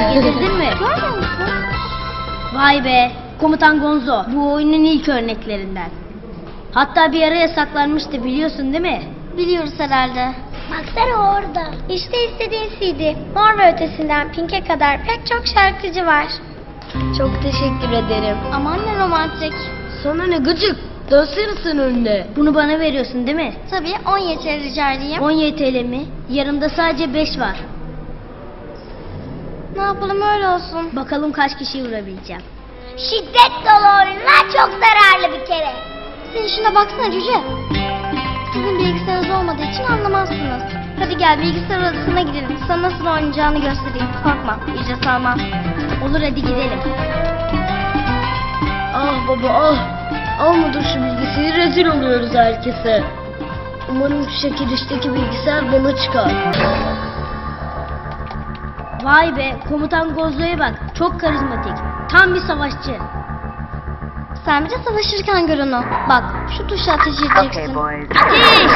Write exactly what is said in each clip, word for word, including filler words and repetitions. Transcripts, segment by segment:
Getirdin mi? Görmüyor musun? Vay be, Komutan Gonzo. Bu oyunun ilk örneklerinden. Hatta bir ara yasaklanmıştı, biliyorsun değil mi? Biliyoruz herhalde. Baksana orada. İşte istediğin C D. Mor ve Ötesi'nden Pink'e kadar pek çok şarkıcı var. Çok teşekkür ederim. Aman ne romantik. Sana ne gıcık. Dönsene sen önüne. Bunu bana veriyorsun değil mi? Tabii on Y T L rica edeyim. on Y T L mi? Yanımda sadece beş var. Ne yapalım öyle olsun. Bakalım kaç kişiyi vurabileceğim. Şiddet dolu oyunlar çok zararlı bir kere. Sen şuna baksana cüce. Sizin bilgisayarınız olmadığı için anlamazsınız. Hadi gel bilgisayar odasına gidelim. Sana nasıl oynayacağını göstereyim. Korkma, ücret almam. Olur, hadi gidelim. Ah baba ah. Almadım şu bilgisayarı, rezil oluyoruz herkese. Umarım şu çekilişteki bilgisayar bana çıkar. Vay be, Komutan Gonzo'ya bak. Çok karizmatik. Tam bir savaşçı. Sen bir de savaşırken gör onu. Bak şu tuşa ateş edeceksin. Ateş!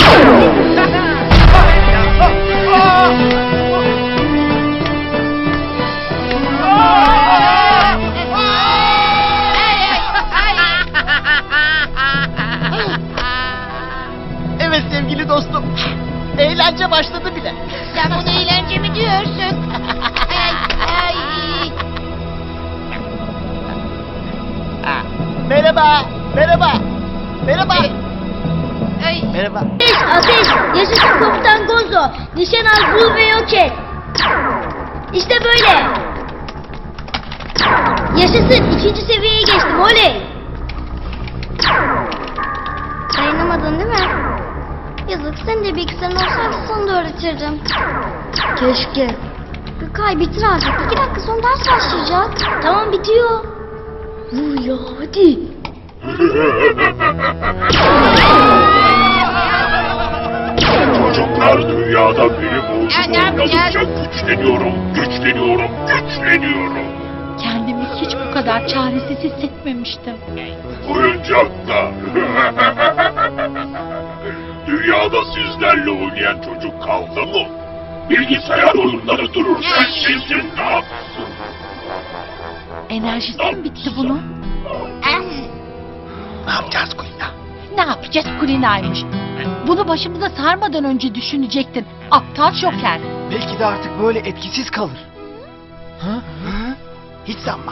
Evet sevgili dostum. Eğlence başladı bile. Sen bunu eğlence mi diyorsun? ay, ay. Ha, Merhaba, merhaba, merhaba. Ay. Merhaba. Ateş! Ateş! Yaşasın Komutan Gonzo! Nişan al, vur ve yok et! İşte böyle! Yaşasın! İkinci seviyeye geçtim, oley! Dayanamadın değil mi? Yazık, senin de bilgisayarın olsaydı sana da öğretirdim. Keşke. Gökay bitir artık. İki dakika sonra ders başlayacak. Tamam, bitiyor. Vur ya, hadi! Çocuklar dünyada benim olduğum oynadıkça güçleniyorum, güçleniyorum, güçleniyorum. Kendimi hiç bu kadar çaresiz hissetmemiştim. Oyuncaklar. Dünyada sizlerle oynayan çocuk kaldı mı? Bilgisayar oyunları dururken sizin ne yapsın? Enerjisi mi bitti bunun? Ne yapacağız Kulina? Ne yapacağız Kulina'ymış? Bunu başımıza sarmadan önce düşünecektin. Aptal şoker. Belki de artık böyle etkisiz kalır. Hı? Hı? Hiç sanmam.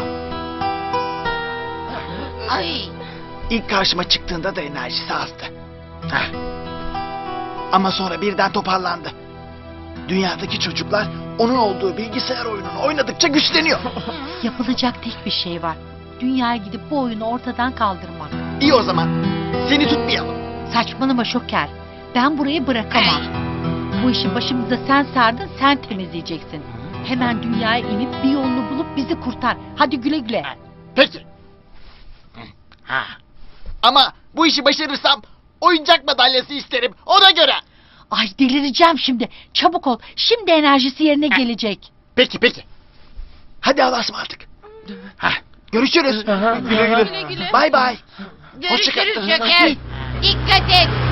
Ay. İlk karşıma çıktığında da enerjisi azdı. Heh. Ama sonra birden toparlandı. Dünyadaki çocuklar onun olduğu bilgisayar oyununu oynadıkça güçleniyor. Yapılacak tek bir şey var. Dünyaya gidip bu oyunu ortadan kaldırmak. İyi o zaman. Seni tutmayalım. Saçmalama şoker. Ben burayı bırakamam. Bu işi başımıza sen sardın, sen temizleyeceksin. Hemen dünyaya inip bir yolunu bulup bizi kurtar. Hadi güle güle. Peki. Ha. Ama bu işi başarırsam oyuncak madalyası isterim. Ona göre. Ay delireceğim şimdi. Çabuk ol. Şimdi enerjisi yerine gelecek. Peki peki. Hadi Allah'a ısmarladık. Ha. Görüşürüz. Güle güle. Bay bay. Hoşça kal. Görüşürüz şoker. Dikkat et.